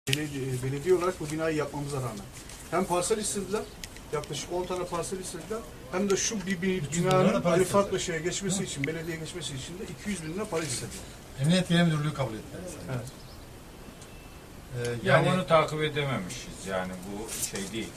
Belediye olarak bu binayı yapmamıza rağmen hem parsel istediler, yaklaşık 10 tane parsel istediler, hem de şu binanın Ali Farklı şeye geçmesi için, belediyeye geçmesi için de 200 bin lira para istediler. Emniyet Genel Müdürlüğü kabul etti. Evet. Yani onu takip edememişiz, yani bu şey değil.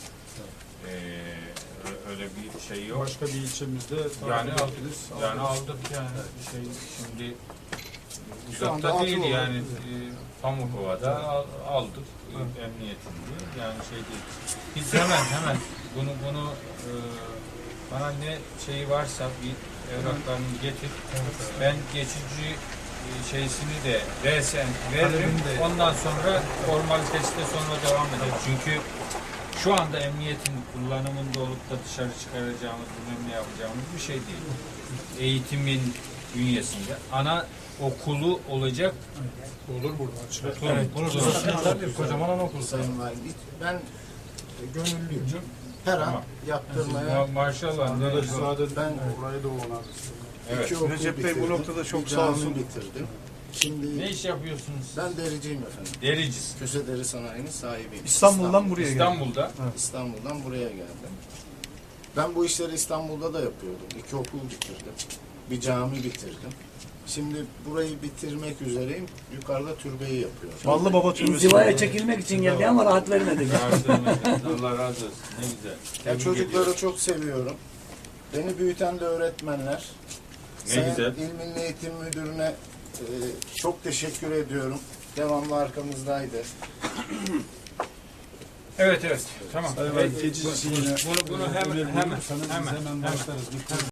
Öyle bir şey yok. Başka bir ilçemizde Yani aldık yani şey şimdi uzakta değil yani Pamukova'da aldık emniyetinde yani şey değil. Biz hemen bunu bana ne şeyi varsa bir evraklarını getir. Ben geçici şeysini de resen veririm. Ondan sonra formalitesi de sonra devam eder. Çünkü şu anda emniyetin kullanımında olup da dışarı çıkaracağımız, bilmem ne yapacağımız bir şey değil. Eğitimin bünyesinde ana okulu olacak. Olur burada. Evet, kocaman anaokulu. Sayın Valim, ben gönüllüyüm. Her an yaptırmaya Maşallah. ben Orayı da onarız. Evet. iki okul Recep Bey bu bitirdim, noktada çok bir sağ cami olsun. bitirdim. Şimdi Ne iş yapıyorsunuz? ben dericiyim efendim. Dericisin. Köse Deri Sanayi'nin sahibiyim. İstanbul'dan buraya geldi. İstanbul'da. İstanbul'dan buraya geldim. Ben bu işleri İstanbul'da da yapıyordum. 2 okul bitirdim. Bir cami bitirdim. Şimdi burayı bitirmek üzereyim. Yukarıda türbeyi yapıyorum. Ballı Baba Türbesi. İnzivaya çekilmek için geldi ama rahat vermedi. Allah razı olsun. Ne güzel. Ya çocukları çok seviyorum. Beni büyüten de öğretmenler. Ne güzel. İl Milli Eğitim Müdürü'ne çok teşekkür ediyorum. Devamlı arkamızdaydı. Evet. Tamam. Sayın Valim, geçici Bunu hemen başlarız.